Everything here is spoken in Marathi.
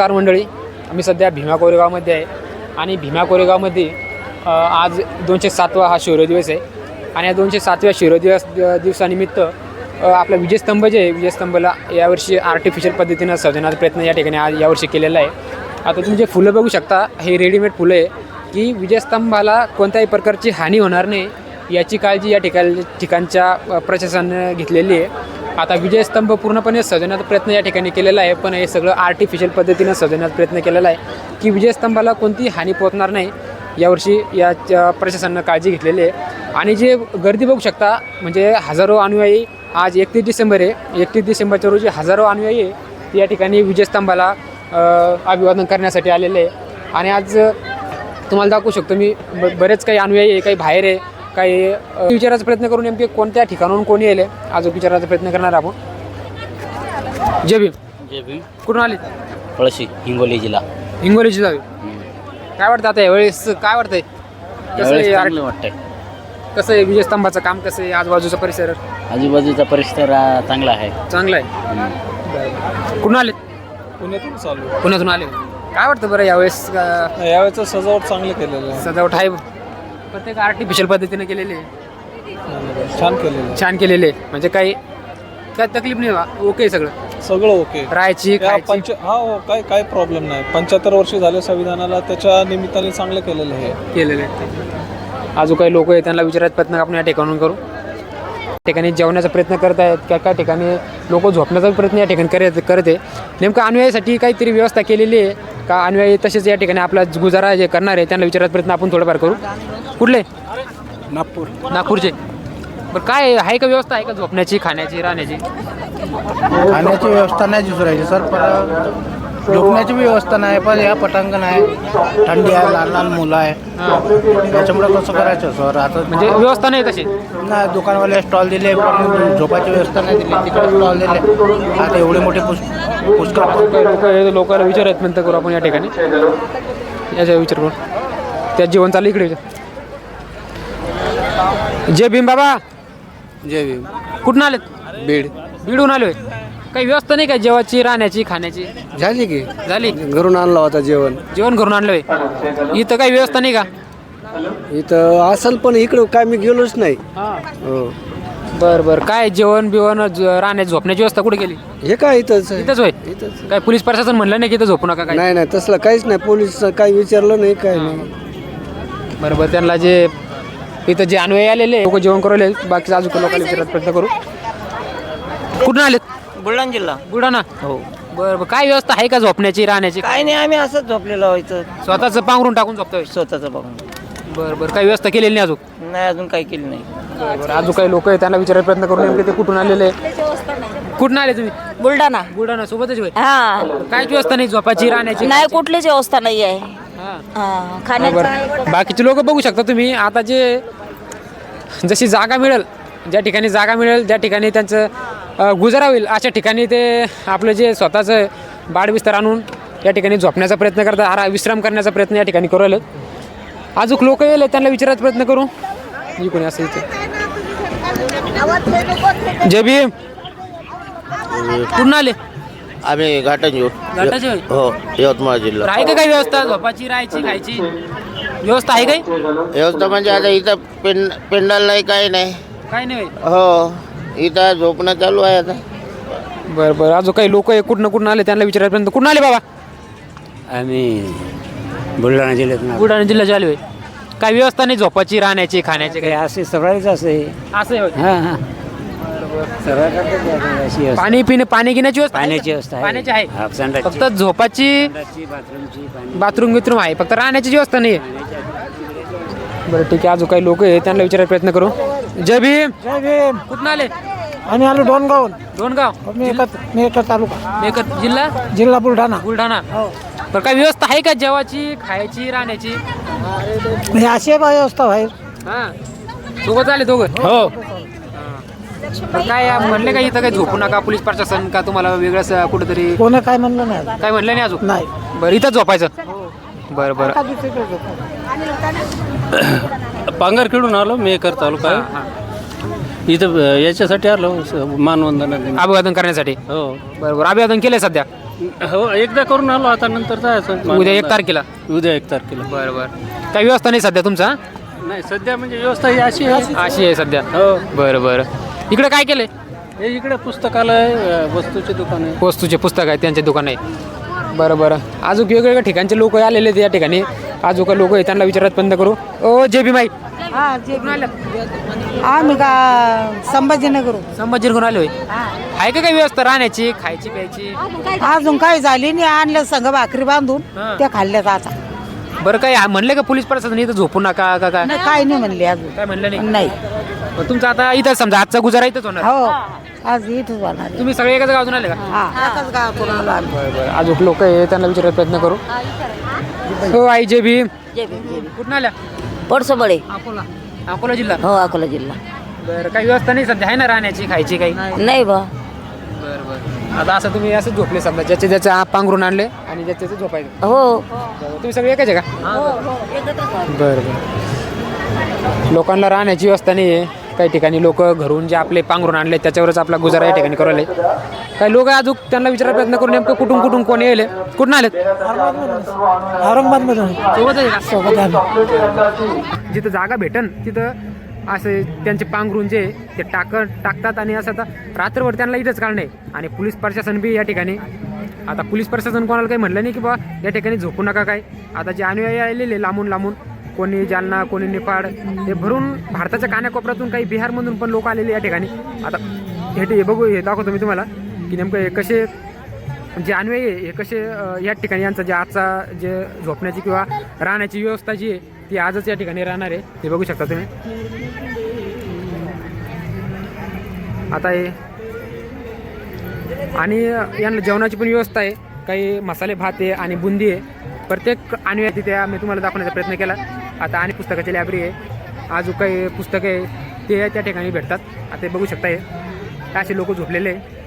नमस्कार मंडळी, आम्ही सध्या भीमा कोरेगावमध्ये आहे आणि भीमा कोरेगावमध्ये आज 207वा हा शौर्य दिवस आहे आणि या 207व्या शौर्य दिवसानिमित्त आपला विजयस्तंभ जे आहे, विजयस्तंभाला यावर्षी आर्टिफिशियल पद्धतीनं सजवण्याचा प्रयत्न या ठिकाणी आज यावर्षी केलेला आहे. आता तुम्ही जे फुलं बघू शकता, हे रेडीमेड फुलं आहे की विजयस्तंभाला कोणत्याही प्रकारची हानी होणार नाही याची काळजी या ठिकाणच्या प्रशासनाने घेतलेली आहे. आता विजयस्तंभ पूर्णपणे सजवण्याचा प्रयत्न या ठिकाणी केलेला आहे, पण हे सगळं आर्टिफिशियल पद्धतीनं सजवण्याचा प्रयत्न केलेला आहे की विजयस्तंभाला कोणतीही हानी पोहोचणार नाही यावर्षी या प्रशासनानं काळजी घेतलेली आहे. आणि जे गर्दी बघू शकता, म्हणजे हजारो अनुयायी आज 31 डिसेंबर आहे, 31 डिसेंबरच्या रोजी हजारो अनुयायी या ठिकाणी विजयस्तंभाला अभिवादन करण्यासाठी आलेले आहे. आणि आज तुम्हाला दाखवू शकतो मी, बरेच काही अनुयायी आहे, काही बाहेर आहे, काही विचारायचा प्रयत्न करून नेमके कोणत्या ठिकाणाहून कोणी येले आज विचारायचा प्रयत्न करणार आपण. जय भीम. जय भीम. कुठून आले? पळशी, हिंगोली जिल्हा. हिंगोली जिल्हा. काय वाटतं आता यावेळेस, काय वाटतंय, चांगलं वाटतंय? कसं आहे विजयस्तंभाचं काम, कसं आहे आजूबाजूचा परिसर? आजूबाजूचा परिसर चांगला आहे. चांगला आहे. कुठून आले? पुण्यातून चालू. पुण्यातून आले. काय वाटतं बरं यावेळेस? यावेळेचं सजावट चांगलं केलेलं आहे. सजावट आहे, प्रत्येक आर्टिफिशियल पद्धतीने केलेली आहे. छान केलेलं छान केलेले, म्हणजे काही तकलीफ नाही बा, ओके सगळं सगळं ओके. राहायची खायची. हो, काय प्रॉब्लेम नाही. 75 वर्ष झाले संविधानाला, त्याच्या निमित्ताने चांगलं केलेलं आहे. केलेले. अजून काही लोक आहेत त्यांना विचारायचा प्रयत्न आपण या ठिकाणून करू. ठिकाणी जेवण्याचा प्रयत्न करत आहेत, काय ठिकाणी लोक झोपण्याचा प्रयत्न या ठिकाणी करते. नेमकं अनुयायासाठी काहीतरी व्यवस्था केलेली आहे का? अनुयायी तसेच या ठिकाणी आपला गुजारा जे करणार आहे त्यांना विचारायचा प्रयत्न आपण थोडंफार करू. कुठले? नागपूरचे. बरं, काय आहे का व्यवस्था, आहे का झोपण्याची, खाण्याची, राहण्याची? खाण्याची व्यवस्था नाही दुसरायची सर, पण झोपण्याची व्यवस्था नाही. पण या पटांगण आहे, थंडी आहे, लहान लहान मुलं आहे, त्याच्यामुळे कसं करायचं सर? आता म्हणजे व्यवस्था नाही तशी? नाही, दुकानवाले स्टॉल दिले पण झोपाची व्यवस्था नाही दिली, तिकडे स्टॉल दिले. आता एवढे मोठे पुष्कळ लोकांना विचारायचं प्रयत्न करू आपण या ठिकाणी. याचा विचार करू. त्यात जेवण चालू इकडे. जय भीम बाबा. जय भीम. कुठून आलेत? बीडहून आलोय. काही व्यवस्था नाही का जेवायची, राहण्याची, खाण्याची? झाली की झाली. घरून आणलं होता जेवण घरून आणलोय. इथं काही व्यवस्था नाही का? इथं असेल पण इकडं काय मी गेलोच नाही. हो. बरं, काय जेवण बिवण, राहण्याची, झोपण्याची व्यवस्था कुठे केली? हे काय इथंच इथंच होय. काय पोलीस प्रशासन म्हणलं नाही की इथं झोपू नका? काय नाही तसलं काहीच नाही. पोलीस काही विचारलं नाही, काय नाही. बरोबर. त्यांना जे इथं जे अनुयायी आलेले लोक जेवण करू आले, बाकी अजून लोकांना विचारायचा प्रयत्न करू. कुठून आलेत? बुलढाणा जिल्हा. बुलढाणा. हो. बरं, काय व्यवस्था आहे का झोपण्याची, राहण्याची? काय नाही, आम्ही असंच झोपलेलो व्हायचं, स्वतःचं पांघरून टाकून झोपतोय? स्वतःचं बघून. बरं, काही व्यवस्था केलेली नाही अजून? नाही, अजून काही केली नाही. बरं, अजून काही लोक आहेत त्यांना विचारायचा प्रयत्न करून नेमके ते कुठून आलेले? कुठून आले तुम्ही? बुलढाणा सोबतच होय. हा, काहीच व्यवस्था नाही झोपाची, राहण्याची? नाही, कुठलीच व्यवस्था नाही आहे. बरं, बाकीचे लोक बघू शकता तुम्ही. आता जशी जागा मिळेल, ज्या ठिकाणी त्यांचं गुजारा होईल अशा ठिकाणी ते आपलं जे स्वतःचं बाडबिस्तर आणून या ठिकाणी झोपण्याचा प्रयत्न करतात, विश्राम करण्याचा प्रयत्न या ठिकाणी करू आलेत. अजून लोक येईल त्यांना विचारायचा प्रयत्न करू. कोणी असं इथे. जय भीम. कुठून आले? आम्ही घाटाचे होय. हो, यवतमाळ जिल्हा. आहे का काही व्यवस्था झोपाची, राहायची, खायची व्यवस्था आहे काही? व्यवस्था म्हणजे आता इथं पेंडल नाही, काही नाही. काही नाही. हो, इथं झोपणं चालू आहे आता. बरं, अजून काही लोक आहे कुठून आले त्यांना विचारायपर्यंत. कुठून आले बाबा? आम्ही बुलढाणा जिल्ह्याचे आले. काही व्यवस्था नाही झोपाची, राहण्याची, खाण्याची? काही असे सगळ्याच असे. असं आहे. हां. पाणी घेण्याची व्यवस्था? पाण्याची आहे. फक्त झोपाची, बाथरूम आहे, फक्त राहण्याची व्यवस्था नाही. बरं, ठीक आहे. अजून काही लोक आहे त्यांना विचारायचा प्रयत्न करू. जय भीम. कुठून आले? आम्ही आलो डोनगाव. मेकर तालुका, मेकर जिल्हा बुलढाणा. बरं, काही व्यवस्था आहे का जेवायची, खायची, राहण्याची? अशी व्यवस्था आहे. सोबत आले दोघं? हो. काय म्हणले का इथं काही झोपू नका, पोलीस प्रशासन का तुम्हाला वेगळंच कुठेतरी? कोणी काय म्हणलं नाही. काय म्हणलं नाही अजून? नाही. बरं, इथंच झोपायचं? बरं. पांगरखेडून आलो, मेकर तालुका. इथं याच्यासाठी आलो, मानवंदना, अभिवादन करण्यासाठी. हो. बरोबर, अभिवादन केलंय सध्या? हो एकदा करून आलो आता नंतर जायचं उद्या 1 तारखेला. उद्या 1 तारखेला. बरं बरं. काही व्यवस्था नाही सध्या तुमचा? नाही सध्या म्हणजे व्यवस्था ही अशी आहे. अशी आहे सध्या. हो बरं बरं. इकडे काय केलंय? हे इकडे पुस्तकालय वस्तूचे दुकान आहे. वस्तूचे पुस्तक आहेत त्यांचे दुकान आहे. बरं बरं. अजून वेगवेगळ्या ठिकाणचे लोक आलेले आहेत या ठिकाणी. अजून लोक आहे त्यांना विचारत बंद करू. ओ जे बी माई आम्ही का संभाजीनगर संभाजीनगरून आलोय. आहे का काही व्यवस्था राहण्याची खायची प्यायची? अजून काही झाली नाही. आणलं संघ भाकरी बांधून हा. त्या खाल्ल्यात आता. बरं काय म्हणले का पोलीस प्रशासन इथं झोपू नका का काय? नाही, काही नाही म्हणले अजून. काय म्हणलं नाही? नाही. मग तुमचं आता इथं समजा आजचा गुजारा इथंच होणार. हो आज इथंच होणार आहे. तुम्ही सगळे एकाच गावातून आले का? हा एकाच गावातून आलो आम्ही. बरं बरं. अजून लोक आहे त्यांना विचारायचा प्रयत्न करू. हो आई जे बी कुठून आल्या? पडसोबळे अकोला. अकोला जिल्हा. हो अकोला जिल्हा. बरं काही व्यवस्था नाही सध्या आहे ना राहण्याची खायची काही? नाही बा. बरं बरं. आता असं तुम्ही असं झोपले समजा ज्याचे ज्याचे पांघरून आणले आणि ज्याचे त्याचे झोपायचं. हो तुम्ही सगळे एकाच आहे का? बरं बरं. लोकांना राहण्याची व्यवस्था नाही आहे. काही ठिकाणी लोक घरून जे आपले पांघरून आणले त्याच्यावरच आपला गुजारा या ठिकाणी करायला. काही लोक अजून त्यांना विचारायचा प्रयत्न करून नेमकं कुठून कोण येले कुठून आलेत? औरंगाबादमधून सोबत आहे का? सोबत आलो. जिथं जागा भेटन तिथं असे त्यांचे पांघरून जे ते टाकतात आणि असं आता रात्रभर त्यांना इथंच काढणे. आणि पोलीस प्रशासन बी या ठिकाणी. आता पोलीस प्रशासन कोणाला काही म्हणलं नाही की बा या ठिकाणी झोपू नका काय. आता जे अनुयायी आलेले लांबून कोणी जालना कोणी निफाड हे भरून भारताच्या कानाकोपऱ्यातून काही बिहारमधून पण लोक आलेले या ठिकाणी. आता हे बघू हे दाखवतो मी तुम्हाला की नेमकं हे कसे जे अनुयायी आहे हे कसे या ठिकाणी यांचा जे आजचा जे झोपण्याची किंवा राहण्याची व्यवस्था जी आहे ती आजच या ठिकाणी राहणार आहे. ते बघू शकता तुम्ही. आता हे आणि यांना जेवणाची पण व्यवस्था आहे. काही मसाले भात आहे आणि बुंदी आहे. प्रत्येक अनुयायी तिथे मी तुम्हाला दाखवण्याचा प्रयत्न केला. आता आणि पुस्तकाची लायब्ररी आहे. अजून काही पुस्तकं आहे ते त्या ठिकाणी भेटतात. आता हे बघू शकता हे असे लोक झोपलेले आहे.